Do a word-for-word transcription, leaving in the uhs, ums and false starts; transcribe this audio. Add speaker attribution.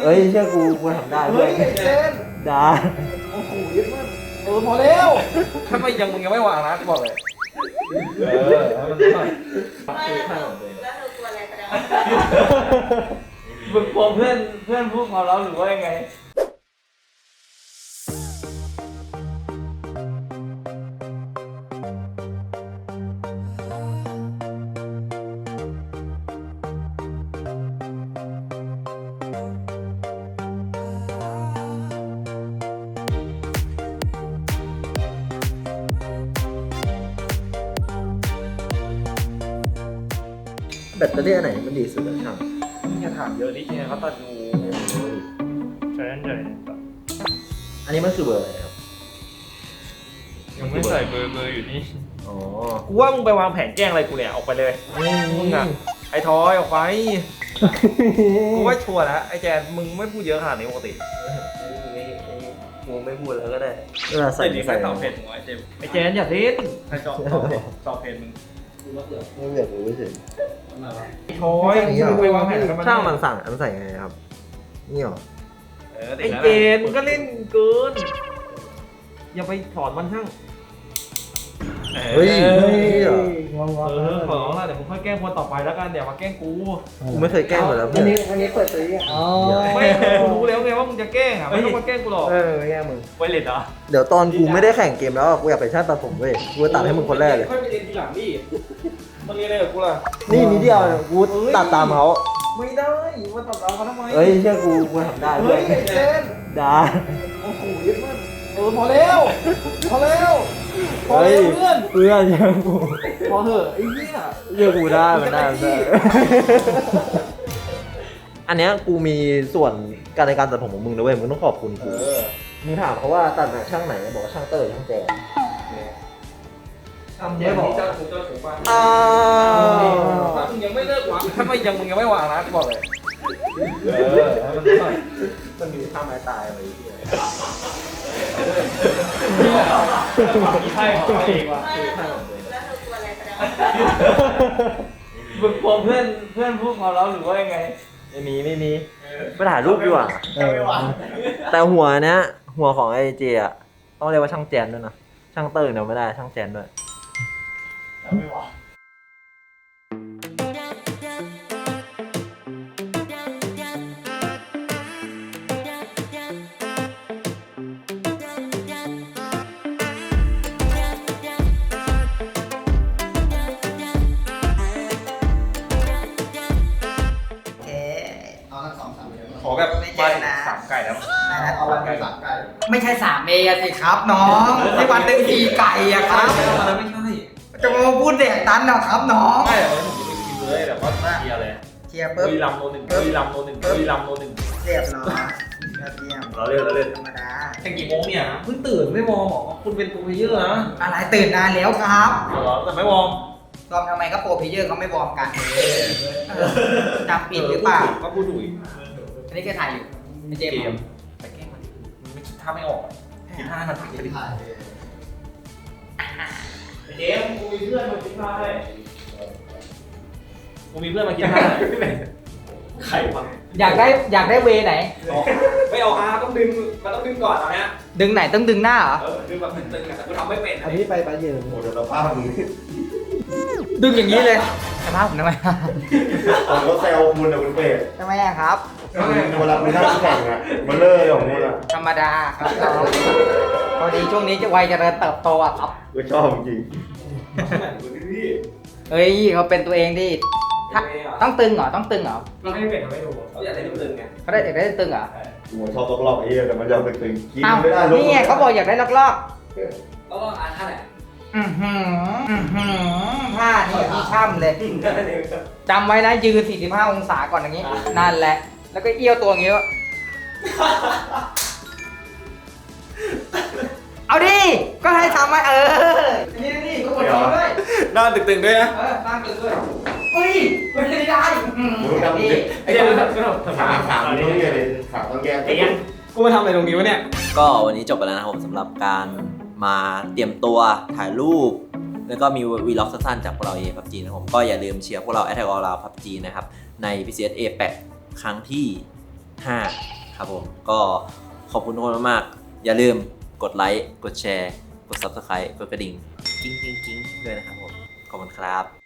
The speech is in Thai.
Speaker 1: เฮ้ยเชื่อกูกูทำได้เพื่อนได้โอ้โหยึดมากเออพอแล้วถ้าไม่ยังมึงยังไม่วางนะกูบอกเลยเออมันหน่อย
Speaker 2: ไม่แล้วแล้วเธอกลัวอะไรแสดงว่า
Speaker 1: มึงกลัวเพื่อนเพื่อนพูดความเราหรือว่ายังไงแบตเตอรี่อันไหนมันดีสุดอะช่างอย่าถามเยอะนิดนึงเขาตัดงูใช่ใช่อันนี้มันคือเบอร์อะไรครับยังไม่ใส่เบอร์เบอร์อยู่นี่อ๋อกูว่ามึงไปวางแผนแกล้งอะไรกูเนี่ยออกไปเลยมึงอะไอ้ทอยออกไปกูว่าชัวร์แล้วไอ้แจนมึงไม่พูดเยอะขนาดนี้ปกติกูไม่พูดแล้วก็ได้เวลาใส่ใส่ตอบเพจมึงไอ้เจมไอ้แจนอย่าเทสใครตอบตอบเพจมึงไม่อยากรู้เฉยโอ้ยไปวางแผนกันช่างมันสั่งอันใส่ไงครับนี่หรอไอเจนมึงก็เล่นเกินอย่าไปถอนมันช่างเฮ้ยเออขอร้องละเดี๋ยวมึงค่อยแกล้งคนต่อไปแล้วกันเดี๋ยวมาแกล้งกูกูไม่เคยแกล้งเลยแล้วอันนี้อันนี้เปิดตัวอ๋อไม่กูรู้แล้วไงว่ามึงจะแกล้งอ่ะไม่ต้องมาแกล้งกูหรอกเออแกล้งมึงไวเลตเหรอเดี๋ยวตอนกูไม่ได้แข่งเกมแล้วกูอยากไปชาติตัดผมเว้ยกูจะตัดให้มึงคนแรกเลยค่อยไปเรียนทีหลังดิมันเรียนอะไรกับกูล่ะนี่นิดเดียวกูตัดตามเขาไม่ได้มาตัดตามเขาทำไมเฮ้ยเชื่อกูกูทำได้เฮ้ยเล่นได้โอ้โหยึดมากเออพอแล้วพอแล้วพอแล้วเพื่อนเพื่อนเชื่อกูพอเถอะไอ้เหี้ยเชื่อกูได้มันได้ได้อันเนี้ยกูมีส่วนการในการตัดผมของมึงนะเว้ยมึงต้องขอบคุณกูมึงถามเขาว่าตัดแบบช่างไหนบอกว่าช่างเตอร์ช่างแจไม่บอกถ้ามึงยังไม่เลิกวางถ้าไม่ยังมึงยังไม่วางนะกูบอกเลยเออมันหน่อยมันมีท่าไม้ตายอะไรอย่างเงี้ยใช่ของตัวเองว่ะ
Speaker 2: ไม่แล้วแล้วเธอกลัวอะไรแสดงว่า
Speaker 1: มึงกลัวเพื่อนเพื่อนพูดความเราหรือว่ายังไงไม่มีไม่มีไปถ่ายรูปดีกว่าแต่หัวเนี้ยหัวของไอเจอะต้องเรียกว่าช่างแจนด้วยนะช่างเตอร์เนี่ยไม่ได้ช่างแจนด้วยไม่ไหวขอแบบไม่ใช่นะสามไก่แล้วเอาวันไก่สามไก่
Speaker 3: ไม่ใช่สามเมย์สิครับน้องที่วันหนึ่งสี่ไก่อะครับ
Speaker 1: ไม่ใช่
Speaker 3: จะมาพูดแดกตันนะครับน้อง
Speaker 1: ไม่ผมจะไปกินเลยแบบว่าเชียร์เลย
Speaker 3: เชียร์ปุ๊บ
Speaker 1: วีลำโนหนึ่งวีลำโนหนึ่งวีลำโนหนึ่ง
Speaker 3: เรียบร้อยยอดเยี่ยม
Speaker 1: เราเล่นเราเล่น
Speaker 3: ธรรมดา
Speaker 1: แข่งกี่โมงเนี่ยเพิ่งตื่นไม่วอร์มหรอคุณเป็นโปรเพลเยอร์นะ
Speaker 3: อะไรตื่นนานแล้วครับ
Speaker 1: เหรอแต่ไม่วอร์ม
Speaker 3: วอร์มทำไมก็โปรเพลเยอร์เขาไม่วอร์มกันจำปิดหรือเปล่า
Speaker 1: ก็พูดดุย
Speaker 3: อันนี้แกถ่ายอยู่ไม่เจมส์
Speaker 1: แต่แกล้งมันมันไม่คิดท่าไม่ออกคิดท่ามันคิดท่าเจมส์กูมีเพื่อนมาคิดท่าให้กูมีเพื่อนมาคิดท่าใครวะ
Speaker 3: อยากได้อยากได้เวไหน
Speaker 1: ไม่เอาอาต้องดึงมันต้องดึงก่อนตอนนี้
Speaker 3: ดึงไหนต้องดึงหน้าเหรอ
Speaker 1: เออดึงแบบตึงๆแต่กูทำไม่เป็น
Speaker 4: อันนี้ไปไปเยืน
Speaker 1: โอ้เดี๋ยวเราพลาดมึง
Speaker 3: ดึงอย่างนี้เลยสภาพผมทำไม
Speaker 4: ผมก็แซวมุนอะคุณเป็ด
Speaker 3: ทำไมอะครับ
Speaker 4: เวลาคุณนั่งแข่งอะมันเล่ยของมุนอะ
Speaker 3: ธรรมดาครับพอดีช่วงนี้จะวัยเจริญเติบโตอะครับ
Speaker 4: ก็ชอบจริง
Speaker 3: เฮ้ยเขาเป็นตัวเองดิต้องตึงเหรอต้องตึงเหรอ
Speaker 1: เราไม่เป็นไม่ดูเขาอยากได้ตึงไง
Speaker 3: เขาได้อยากได้ตึงเหรอ
Speaker 4: หัวชอบลอกๆไอ้เหี้ยแต่มันยอมตึงๆกินไม่ได้
Speaker 3: นี่ไงเขาบอกอยากได้ลอกๆ
Speaker 1: ลอกๆอ่านท่าไหน
Speaker 3: อือหืออือหือท่านี่ที่ช่ำเลยจำไว้นะยืนสี่สิบห้าองศาก่อนอย่างนี้นั่นแหละแล้วก็เอี้ยวตัวอย่างนี้เอาดิก็ให้ทำไว้เออนี่นี่ก็กดทีด้วย
Speaker 1: หน้าตึงๆด้วยนะ
Speaker 3: เออหน้าตึงด้วยอุ้ยไม่ได้ได้
Speaker 1: ไอ้เจ้า
Speaker 4: ขาขาตรงนี้เลยขาต้องแก้
Speaker 1: ไอ้ยังกูมาทำอะไรตรงนี้วะเนี่ยก็วันนี้จบไปแล้วนะครับผมสำหรับการมาเตรียมตัวถ่ายรูปแล้วก็มีวีล็อกสั้นๆจากพวกเราเอ พับจี นะครับผมก็อย่าลืมเชียร์พวกเรา Attack on Titan พับจี นะครับใน พี ซี เอส เอ แปด ครั้งที่ห้า
Speaker 5: ครับผมก็ขอบคุณทุกคนมากๆอย่าลืมกดไลค์กดแชร์กด ซับสไครบ์ กดกระดิ่งกิ้งกิ้งกิ้งด้วยนะครับผมขอบคุณครับ